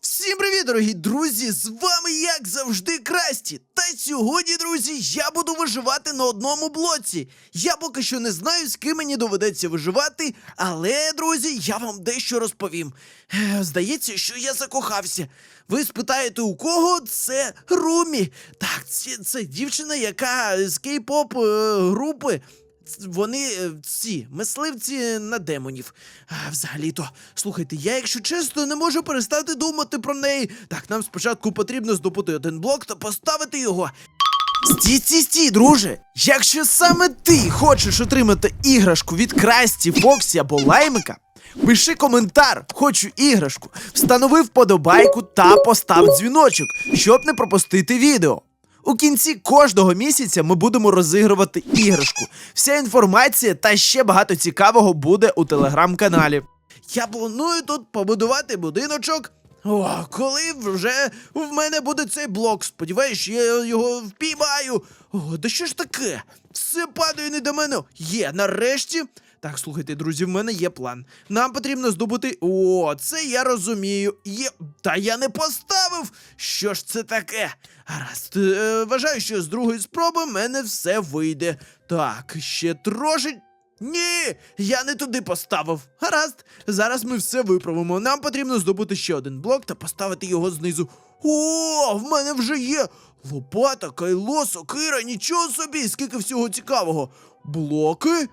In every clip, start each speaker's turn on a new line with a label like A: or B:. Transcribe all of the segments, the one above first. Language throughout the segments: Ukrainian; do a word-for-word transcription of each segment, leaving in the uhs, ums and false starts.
A: Всім привіт, дорогі друзі! З вами, як завжди, Красті. Та сьогодні, друзі, я буду виживати на одному блоці. Я поки що не знаю, з ким мені доведеться виживати, але, друзі, я вам дещо розповім. Е, Здається, що я закохався. Ви спитаєте, у кого? Це Румі. Так, це, це дівчина, яка з кей-поп е, групи. Вони е, ці мисливці на демонів. А, взагалі-то, слухайте, я, якщо чесно, не можу перестати думати про неї. Так, нам спочатку потрібно здобути один блок та поставити його. Стій, стій, стій, друже! Якщо саме ти хочеш отримати іграшку від Красті, Фоксі або Лаймика, пиши коментар «Хочу іграшку», встанови вподобайку та постав дзвіночок, щоб не пропустити відео. У кінці кожного місяця ми будемо розігрувати іграшку. Вся інформація та ще багато цікавого буде у телеграм-каналі. Я планую тут побудувати будиночок. О, коли вже в мене буде цей блок. Сподіваюсь, що я його впіймаю. О, да що ж таке? Все падає не до мене. Є, нарешті. Так, слухайте, друзі, в мене є план. Нам потрібно здобути... О, це я розумію. Є... Та я не поставив! Що ж це таке? Гаразд, е, вважаю, що з другої спроби в мене все вийде. Так, ще трошки... Ні, я не туди поставив. Гаразд, зараз ми все виправимо. Нам потрібно здобути ще один блок та поставити його знизу. О, в мене вже є лопата, кайло, сокира, нічого собі, скільки всього цікавого. Блоки?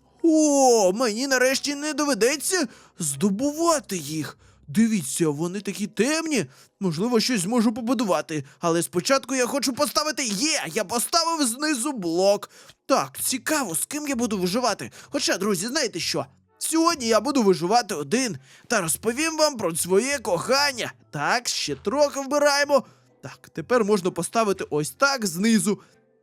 A: О, мені нарешті не доведеться здобувати їх. Дивіться, вони такі темні. Можливо, щось зможу побудувати. Але спочатку я хочу поставити... Є! Я поставив знизу блок. Так, цікаво, з ким я буду виживати. Хоча, друзі, знаєте що? Сьогодні я буду виживати один. Та розповім вам про своє кохання. Так, ще трохи вбираємо. Так, тепер можна поставити ось так знизу.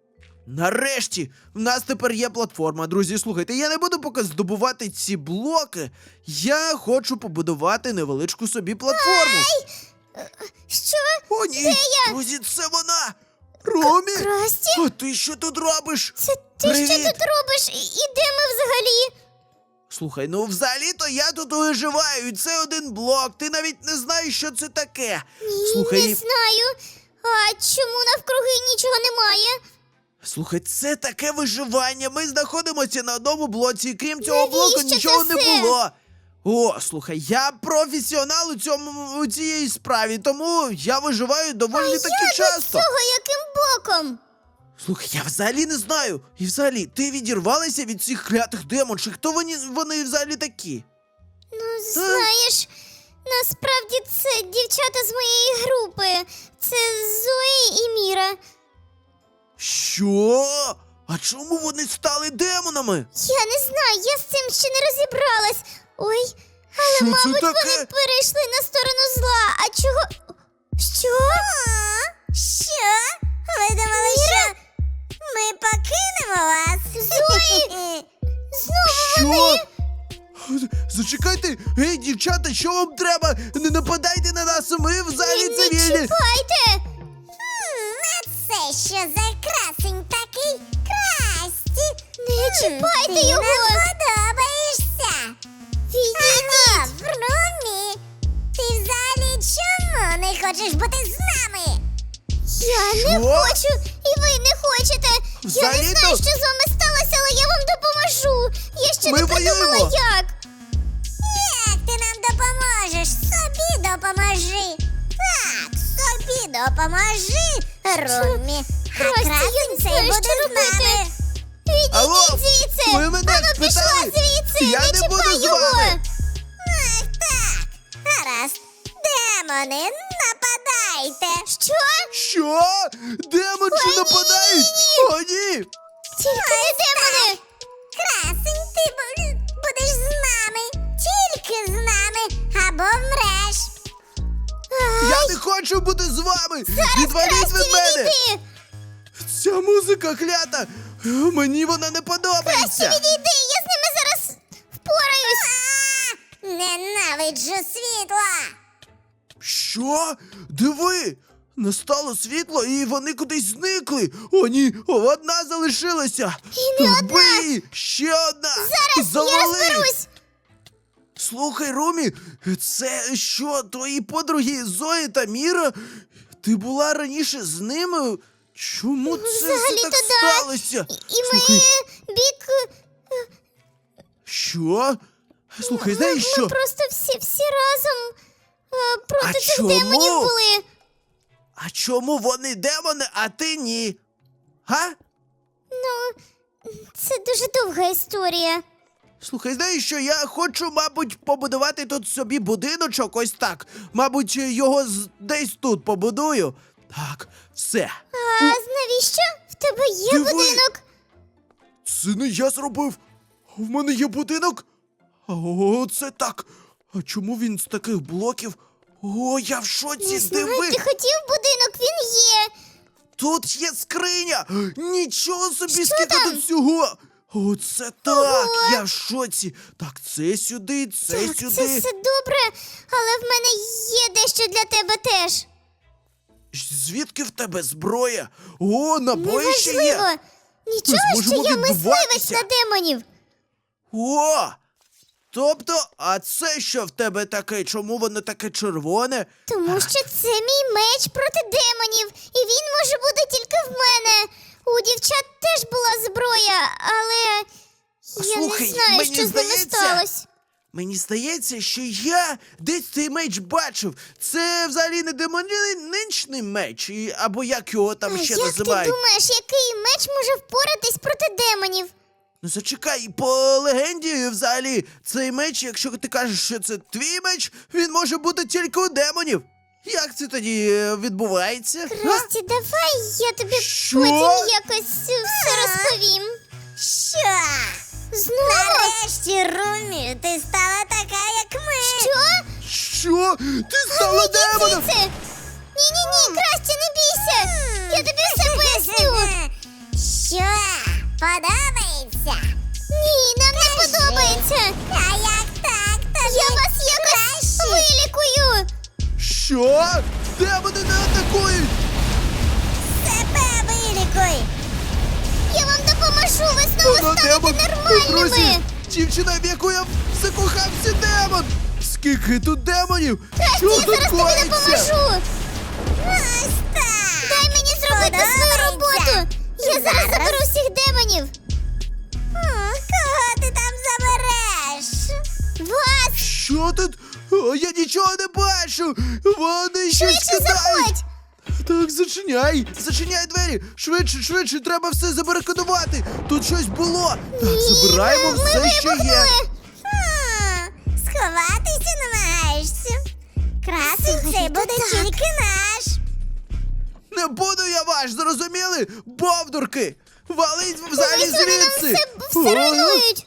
A: Нарешті, в нас тепер є платформа. Друзі, слухайте, я не буду поки здобувати ці блоки. Я хочу побудувати невеличку собі платформу.
B: Ай! Що?
A: О, ні!
B: Де я?
A: Друзі, це вона! Ромі!
B: Красті?
A: А ти що тут робиш?
B: Це ти
A: Привіт!
B: що тут робиш? І, і де ми взагалі?
A: Слухай, ну взагалі-то я тут виживаю, і це один блок. Ти навіть не знаєш, що це таке.
B: Ні,
A: Слухай,
B: не знаю. А чому навкруги нічого немає?
A: Слухай, це таке виживання. Ми знаходимося на одному блоці, і крім цього блоку
B: Навіщо
A: нічого
B: це
A: не
B: все?
A: було. О, слухай, я професіонал у цьому у цій справі, тому я виживаю доволі таки
B: Я
A: часто.
B: до цього яким боком?
A: Слухай, я взагалі не знаю. І взагалі, ти відірвалася від цих клятих демонших. Хто вони, вони взагалі такі?
B: Ну, знаєш, насправді це дівчата з моєї групи. Це Зої і Міра.
A: Що? А чому вони стали демонами?
B: Я не знаю, я з цим ще не розібралась. Ой, але,
A: Що це
B: мабуть,
A: таке?
B: вони перейшли на сторону зла. А чого? Що? Що? Ви думали, що ми покинемо вас? Зої! Знову вони!
A: Що? Зачекайте! Гей, дівчата, що вам треба? Не нападайте на нас, ми взагалі
B: Не
A: цивільні!
B: чіпайте!
C: А це що за красень такий? Красті!
B: Не чіпайте
C: Ти
B: його!
C: нам подобаєшся!
B: Відійдіть!
C: Ага, Румі! Ти взагалі чому не хочеш бути з нами?
B: Я не
A: Що?
B: хочу, і ви не хочете! Я не
A: Взагалі-то-
B: знаю, що з вами сталося, але я вам допоможу! Я ще
A: Ми
B: не придумала,
A: воюємо.
B: як!
C: Як ти нам допоможеш? Собі допоможи! Так, собі допоможи, Румі! А
B: Красті, я
C: красень
B: не
C: цей
B: знаю,
C: буде
B: що
C: з
B: робити!
C: нами!
A: Алло,
B: Відійдіть звідси!
A: ви мене
B: Ану, пішла
A: спитали?
B: звідси!
A: Я
B: не
A: не буду
B: чіпай
A: з
B: його!
A: вами.
C: Ах, так! Гаразд! Демони, нападайте!
B: Що?
A: Що? Демонші нападають? О, ні!
B: Тільки не демони!
C: Красень, ти бу- будеш з нами! Тільки з нами! Або вмреш!
A: Я не хочу бути з вами! Відваліть
B: Красті,
A: від мене!
B: відійди!
A: Ця музика клята! Мені вона не
B: Красті,
A: подобається!
B: відійди! Я з ними зараз впораюсь!
C: А, ненавиджу світла!
A: Що? Диви! Настало світло, і вони кудись зникли. О, ні, одна залишилася.
B: І не
A: Так,
B: одна.
A: бий! Ще одна!
B: Зараз
A: Завали!
B: я розберусь!
A: Слухай, Румі, це що, твої подруги Зої та Міра? Ти була раніше з ними? Чому це все
B: Взагалі-то
A: так
B: да.
A: сталося?
B: І
A: Слухай,
B: ми бік.
A: що? Слухай, знаєш
B: Ми
A: що?
B: просто всі, всі разом е, проти
A: А
B: цих
A: чому?
B: демонів були.
A: А чому вони демони, а ти ні? Га?
B: Ну, це дуже довга історія.
A: Слухай, знаєш що, я хочу, мабуть, побудувати тут собі будиночок, ось так. Мабуть, його з- десь тут побудую. Так, все.
B: А навіщо? В тебе є
A: Диви.
B: будинок?
A: Це не я зробив. В мене є будинок. О, це так. А чому він з таких блоків? О, я в шоці,
B: Не знаю,
A: диви.
B: ти хотів будинок, він є.
A: Тут є скриня! Нічого собі,
B: Що
A: скільки
B: там?
A: тут всього! Оце так!
B: Ого!
A: Я в шоці! Так, це сюди, це
B: Так,
A: сюди.
B: це все добре, але в мене є дещо для тебе теж.
A: Звідки в тебе зброя? О, набої ще є!
B: Неважливо. Нічого, що
A: зможемо
B: я мисливець
A: відбуватися.
B: на демонів.
A: О! Тобто, а це що в тебе таке? Чому воно таке червоне?
B: Тому що це мій меч проти демонів, і він може бути тільки в мене. У дівчат теж була зброя, але я
A: Слухай,
B: не знаю,
A: мені
B: що з ними
A: здається,
B: сталося.
A: Мені здається, що я десь цей меч бачив. Це взагалі не демонічний меч, і- або як його там
B: А
A: ще
B: як
A: називають.
B: ти думаєш, який меч може впоратись проти демонів?
A: Ну зачекай, по легенді взагалі, цей меч, якщо ти кажеш, що це твій меч, він може бути тільки у демонів. Як це тоді е, відбувається? Га?
B: Красті, давай я тобі
A: Що?
B: потім якось е, все розповім.
C: Що?
B: Знову?
C: Нарешті, Румі, ти стала така, як ми.
B: Що?
A: Що? Ти стала демоном?
B: Звідси! Ні-ні-ні, Красті, не бійся! Я тобі все поясню!
C: Що? Подобається?
B: Ні, нам не
C: Кажи.
B: подобається!
C: А як так? Тобі
B: Я вас якось
C: краще.
B: вилікую!
A: Що? Демони не атакують!
C: Себе вилікуй.
B: Я вам допоможу, ви знову
A: Вона
B: станете
A: демон! Друзі,
B: нормальними!
A: дівчина, в яку я закохався, демон! Скільки тут демонів?
B: Красті,
A: Що
B: я
A: тут
B: зараз тобі
A: коїться?
B: допоможу!
C: Ось так.
B: Дай мені зробити свою роботу! Я зараз
C: Зараз.
B: заберу всіх демонів!
C: М, Кого ти там забереш?
B: Вас!
A: Що тут? О, я нічого не бачу! Вони щось
B: Швидше
A: кидають!
B: заходь!
A: Так, зачиняй! Зачиняй двері! Швидше, швидше, треба все забарикадувати! Тут щось було! Так, забираємо
B: Ми
A: все, що є!
B: вибухнули!
C: М, Сховатися намагаєшся? Красень
B: Взагалі-то
C: цей буде
B: так.
C: тільки наш.
A: Не буду я ваш, зрозуміли? Бовдурки! Валить взагалі
B: Ось вони нам
A: звідси!
B: все, все руйнують!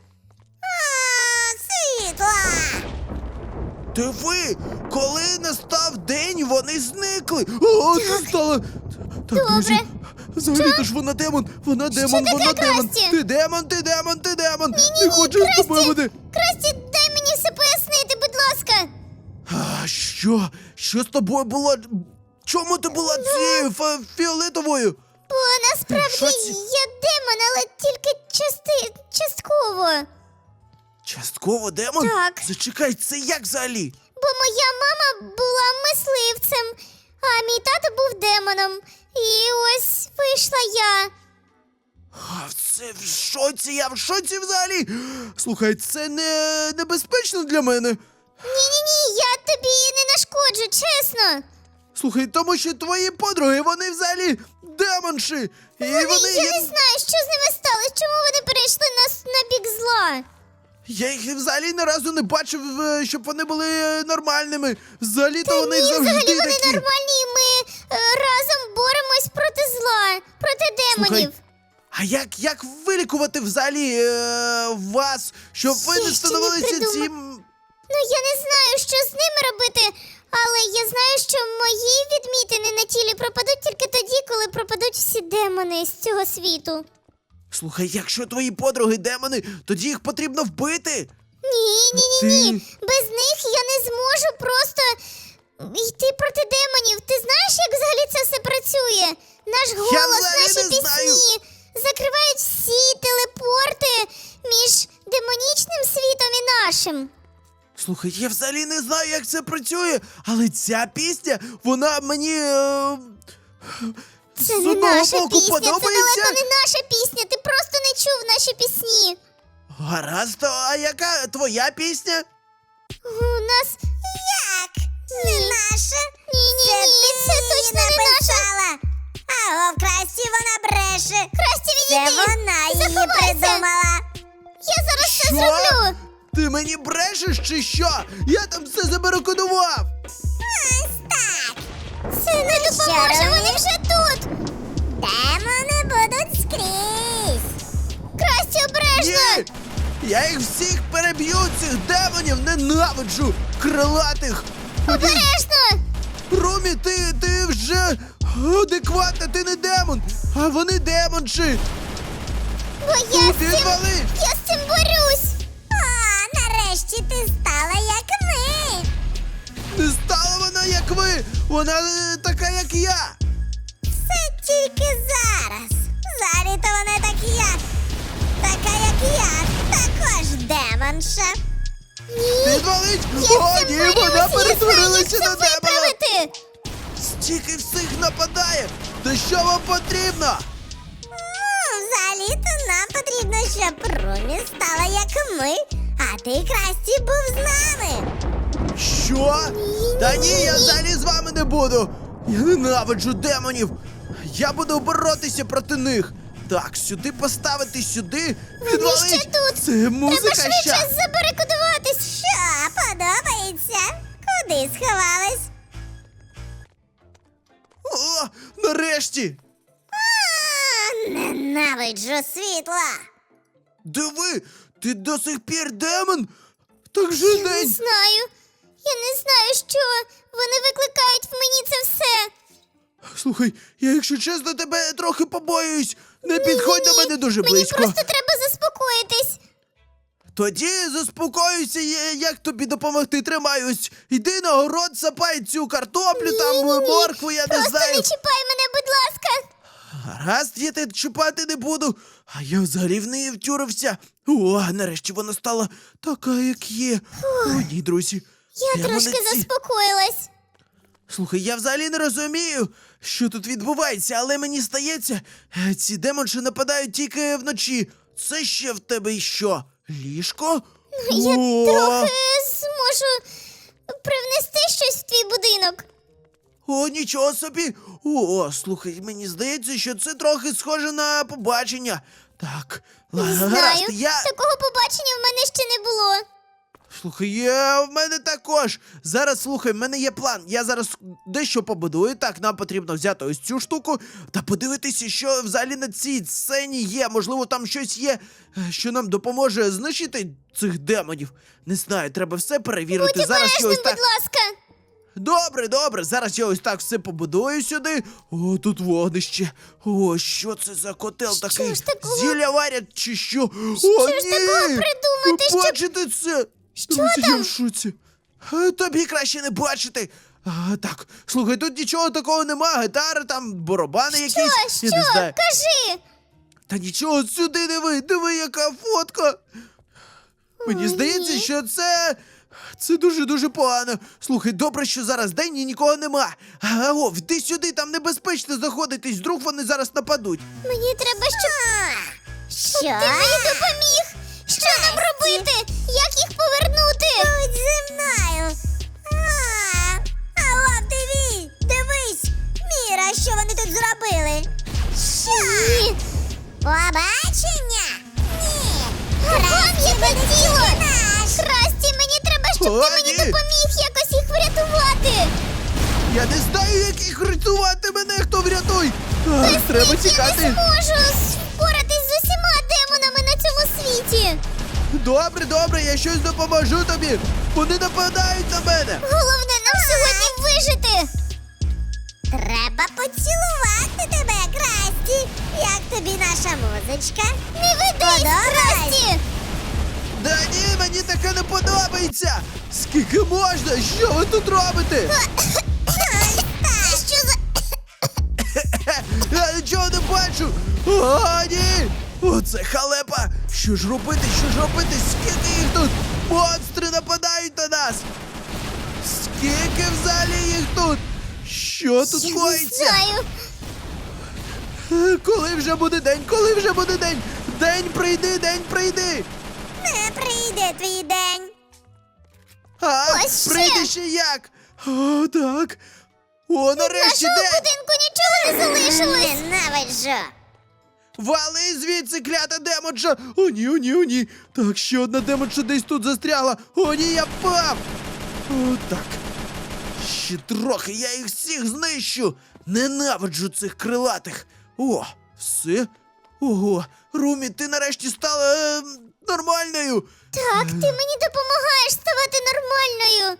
C: А, світла.
A: Диви, коли настав день, вони зникли. О, це стало. Так, друзі. Взагалі-то ж вона демон, вона демон,
B: таке,
A: вона демон.
B: Красті?
A: Ти демон, ти демон, ти демон. Не хочу з тобою бути.
B: Красті, дай мені все пояснити, будь ласка!
A: А, що? Що з тобою було? Чому ти була цією фа- фіолетовою?
B: Бо насправді
A: Що це?
B: я демон, але тільки части... частково.
A: Частково демон?
B: Так.
A: Зачекай, це як взагалі?
B: Бо моя мама була мисливцем, а мій тато був демоном. І ось вийшла я.
A: А, це в шоці, я в шоці взагалі. Слухай, це не небезпечно для мене.
B: Ні-ні-ні, я тобі не нашкоджу, чесно.
A: Слухай, тому що твої подруги, вони взагалі демонші. І вони,
B: Вони, я не знаю, що з ними сталося, чому вони перейшли на, с- на бік зла.
A: Я їх взагалі ні разу не бачив, е, щоб вони були е, нормальними. Взагалі-то вони
B: Ні,
A: завжди
B: взагалі вони
A: такі.
B: нормальні, і ми е, разом боремось проти зла, проти демонів.
A: Слухай, а як, як вилікувати взагалі е, вас, щоб ви
B: Я
A: не
B: ще не
A: становилися
B: придумала.
A: цим.
B: Ну, я не знаю, що з ними робити, але я знаю, що мої відмітини на тілі пропадуть тільки тоді, коли пропадуть всі демони з цього світу.
A: Слухай, якщо твої подруги демони, тоді їх потрібно вбити.
B: Ні, ні, ні, ні.
A: Ти-
B: Без них я не зможу просто йти проти демонів. Ти знаєш, як взагалі це все працює? Наш голос,
A: взагалі
B: наші
A: не
B: пісні
A: знаю.
B: закривають всі телепорти між демонічним світом і нашим.
A: Слухай, я взагалі не знаю, як це працює, але ця пісня, вона мені. Е...
B: Це
A: з
B: не
A: одного
B: наша
A: боку
B: пісня, це
A: подобається.
B: далеко не наша пісня. Ти просто не чув наші пісні.
A: Гаразд, а яка твоя пісня?
B: У нас
C: Як? Не наша?
B: ні, ні,
C: Це
B: ні,
C: ти
B: це
C: її
B: точно не наша.
C: написала. А в Красті вона бреше.
B: Красті,
C: Це
B: відійди.
C: вона її
B: Заховайся.
C: придумала.
B: Я зараз все
A: Що?
B: зроблю.
A: Ти мені брешеш чи що? Я там все забарикодував!
C: Ось так.
B: Це не допоможе,
C: робити?
B: вони вже тут.
C: Демони будуть скрізь.
B: Красті, обережно.
A: Ні! Я їх всіх переб'ю, цих демонів, ненавиджу! Крилатих! Ході,
B: Обережно.
A: Румі, ти, ти вже адекватна, ти не демон, а вони демонші!
B: Бо я з цим,
A: Відвали!
B: я з цим борюсь.
C: О, нарешті ти стала як ми.
A: Не стала вона, як ви! Вона е, така, як я!
C: Це тільки зараз. Взагалі-то вона так як. Така, як я. Також демонша.
A: Відвалить!
B: Я
A: О,
B: з цим
A: ні,
B: борюсь.
A: вона
B: Я знаю,
A: перетворилася
B: як
A: на
B: це
A: демона!
B: виправити.
A: Стільки всіх нападає! Та що вам потрібно?
C: Ну, взагалі-то нам потрібно, щоб Румі стала як ми, а ти, Красті, був з нами.
A: Що? Та ні, я взагалі з вами не буду! Я ненавиджу демонів! Я буду боротися проти них! Так, сюди поставити, сюди, відвалить!
B: ще тут.
A: Це
B: Треба
A: музика
B: швидше
A: ща!
C: Що,
B: забарикодуватись.
C: подобається? Куди сховались?
A: О, нарешті!
C: А, ненавиджу світла.
A: Диви, ти до сих пір демон? Так же
B: Я не
A: день!
B: знаю. Я не знаю, що вони викликають в мені це все.
A: Слухай, я, якщо чесно, тебе трохи побоююсь. Не підходь до мене дуже
B: Мені
A: близько.
B: просто треба заспокоїтись.
A: Тоді заспокоюся, я- як тобі допомогти. Тримаюсь. Йди на город, сапай цю картоплю, там
B: Ні-ні-ні.
A: моркву, я не
B: Просто
A: знаю.
B: не чіпай мене, будь ласка.
A: Гаразд, я тебе чіпати не буду. А я взагалі в неї втюрився. О, нарешті вона стала така, як є. О, ні, друзі.
B: Я
A: прямо
B: трошки
A: на ці-
B: заспокоїлась.
A: Слухай, я взагалі не розумію, що тут відбувається, але мені здається, е, ці демонші нападають тільки вночі. Це ще в тебе й що? Ліжко?
B: Я
A: О!
B: трохи зможу привнести щось в твій будинок.
A: О, нічого собі. О, слухай, мені здається, що це трохи схоже на побачення. Так,
B: Не
A: ла-
B: знаю.
A: гаразд, я.
B: Такого побачення в мене ще не було.
A: Слухай, я в мене також. Зараз слухай, в мене є план. Я зараз дещо побудую. Так, нам потрібно взяти ось цю штуку та подивитися, що взагалі на цій сцені є. Можливо, там щось є, е, що нам допоможе знищити цих демонів. Не знаю, треба все перевірити.
B: Будь
A: Зараз я
B: обережним,
A: ось
B: будь
A: так.
B: ласка.
A: Добре, добре. Зараз я ось так все побудую сюди. О, тут вогнище. О, що це за котел
B: Що
A: такий?
B: ж такого?
A: Зілля варять чи що? О,
B: Що ж
A: ні!
B: такого придумати,
A: Ви
B: щоб-
A: бачите це?
B: Що
A: Друзі, я
B: там?
A: в шоці. Е, Тобі краще не бачити. А, так, слухай, тут нічого такого нема. Гітари, там, барабани якісь.
B: Що,
A: Я не
B: що?
A: знаю.
B: Кажи.
A: Та нічого, сюди диви, диви, яка фотка. Мені
B: Ой,
A: здається,
B: ні.
A: що це. Це дуже-дуже погано. Слухай, добре, що зараз день і нікого нема. А, о, йди сюди, там небезпечно заходитись, вдруг вони зараз нападуть.
B: Мені треба, щоб
C: Що?
B: ти мені допоміг. Що нам робити? Як їх повернути?
C: Будь зі мною. А, алло, диві, дивись. Міра, що вони тут зробили? Що?
B: Ні.
C: Побачення? Ні.
B: Вам
C: Красті
B: яке
C: буде
B: діло?
C: тільки наш.
B: Красті, мені треба, щоб
A: О,
B: ти мені
A: ні.
B: допоміг якось їх врятувати.
A: Я не знаю, як їх рятувати мене, хто врятуй. А, треба
B: Я не
A: тікати.
B: зможу впоратись з усіма демонами на цьому світі.
A: Добре, добре, я щось допоможу тобі. Вони нападають на мене.
B: Головне нам сьогодні вижити.
C: Треба поцілувати тебе, Красті. Як тобі наша музичка?
B: Не ведись,
C: Подобається?
B: Красті.
A: Да ні, мені таке не подобається. Скільки можна? Що ви тут робите?
B: Це що за...
A: Я нічого не бачу! О, ні! Оце халепа! Що ж робити, що ж робити? Скільки їх тут? Монстри нападають на нас? Скільки в залі їх тут? Що тут
B: Я не
A: коїться?
B: знаю.
A: Е, Коли вже буде день? Коли вже буде день? День прийди, день прийди!
C: Не прийде твій день.
A: А,
B: Ось ще.
A: прийде ще як? О, так. О, нарешті
B: Нашого
A: день!
B: будинку нічого не залишилось.
C: Ненавиджу.
A: Вали звідси, клята демонша! О, ні, о, ні, о, ні. Так, ще одна демонша десь тут застрягла. О, ні, я впав! О, так. Ще трохи, я їх всіх знищу. Ненавиджу цих крилатих. О, все. Ого, Румі, ти нарешті стала е, нормальною.
B: Так, ти мені допомагаєш ставати нормальною.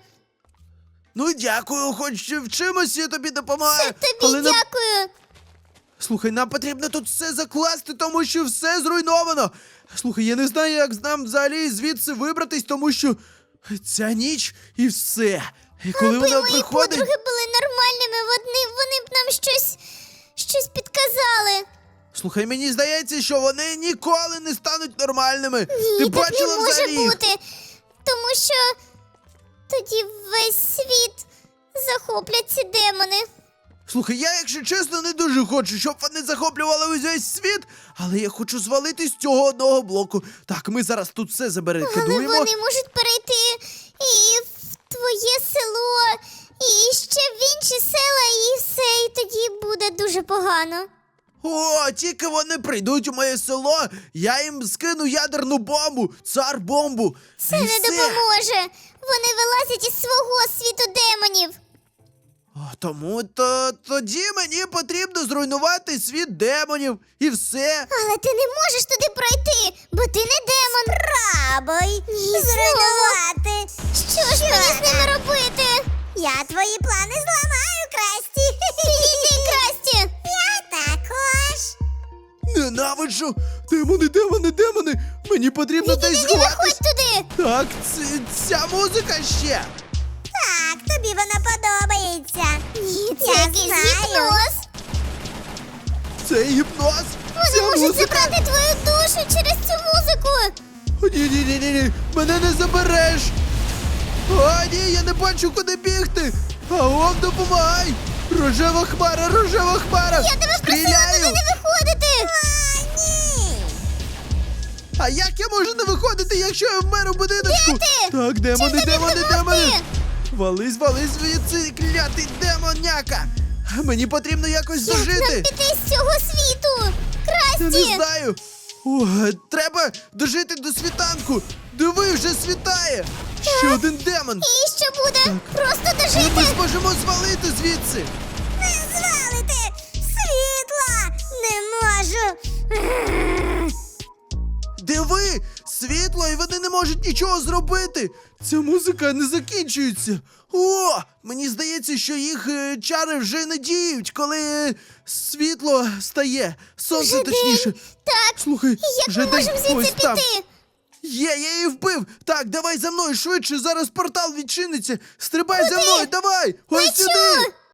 A: Ну, дякую, хоч в чимось я тобі допомагаю.
B: Це тобі
A: але нам-
B: дякую.
A: Слухай, нам потрібно тут все закласти, тому що все зруйновано. Слухай, я не знаю, як нам взагалі звідси вибратись, тому що ця ніч і все. І коли
B: Аби
A: вона
B: мої
A: приходить.
B: подруги були нормальними, вони, вони б нам щось, щось підказали.
A: Слухай, мені здається, що вони ніколи не стануть нормальними.
B: Ні,
A: Ти
B: так
A: бачила
B: не може
A: взагалі їх?
B: бути. Тому що тоді весь світ захоплять ці демони.
A: Слухай, я, якщо чесно, не дуже хочу, щоб вони захоплювали весь світ, але я хочу звалити з цього одного блоку. Так, ми зараз тут все
B: Але
A: заберекидуємо.
B: вони можуть перейти і в твоє село, і ще в інші села, і все, і тоді буде дуже погано.
A: О, тільки вони прийдуть у моє село, я їм скину ядерну бомбу, цар бомбу.
B: Це
A: і
B: не
A: все.
B: допоможе. Вони вилазять із свого світу демонів.
A: О, тому то тоді мені потрібно зруйнувати світ демонів і все.
B: Але ти не можеш туди пройти, бо ти не демон.
C: Пробуй
B: Ні,
C: зруйнувати.
B: Що ж мені з ними робити?
C: Я твої плани зламаю, Красті.
B: Підійди, Красті.
C: Я також.
A: Ненавиджу! Демони, демони, демони! Мені потрібно десь
B: Підійди, не виходь
A: сховатись.
B: туди.
A: Так, ц- ця музика ще.
C: Так, тобі вона подобається.
B: Ні, це
C: Я
B: якийсь
C: знаю.
B: гіпноз.
A: Це гіпноз.
B: Вони
A: Ця
B: можуть
A: музика.
B: забрати твою душу через цю музику.
A: О, ні, ні, ні, ні, ні. Мене не забереш. О, ні, я не бачу, куди бігти. Аом, допомагай. Рожева хмара, рожева хмара.
B: Я тебе просила
A: Стріляю.
B: туди не виходити.
C: А, ні.
A: А як я можу не виходити, якщо я вмер у будиночку?
B: Де ти?
A: Так, демони,
B: тобі
A: демони,
B: допомогти?
A: демони. Вались, вались звідси, клятий демоняка. Мені потрібно якось
B: Як нам
A: дожити.
B: піти з цього світу?
A: Я не
B: Красті.
A: знаю. О, треба дожити до світанку. Диви, вже світає. Ще один демон.
B: І що буде? Просто
A: Але ми
B: дожити.
A: зможемо звалити звідси.
C: Не звалити світла. Не можу.
A: Диви, світло, і вони не можуть нічого зробити. Ця музика не закінчується. О, мені здається, що їх е, чари вже не діють, коли е, світло стає. Сонце
B: Вже
A: точніше.
B: день. Так.
A: Слухай,
B: І як
A: вже
B: ми
A: день
B: можемо звідси
A: ось там.
B: піти?
A: Є, я її вбив. Так, давай за мною швидше, зараз портал відчиниться. Стрибай за
B: Куди?
A: мною, давай! Ось
B: Лечу!
A: сюди!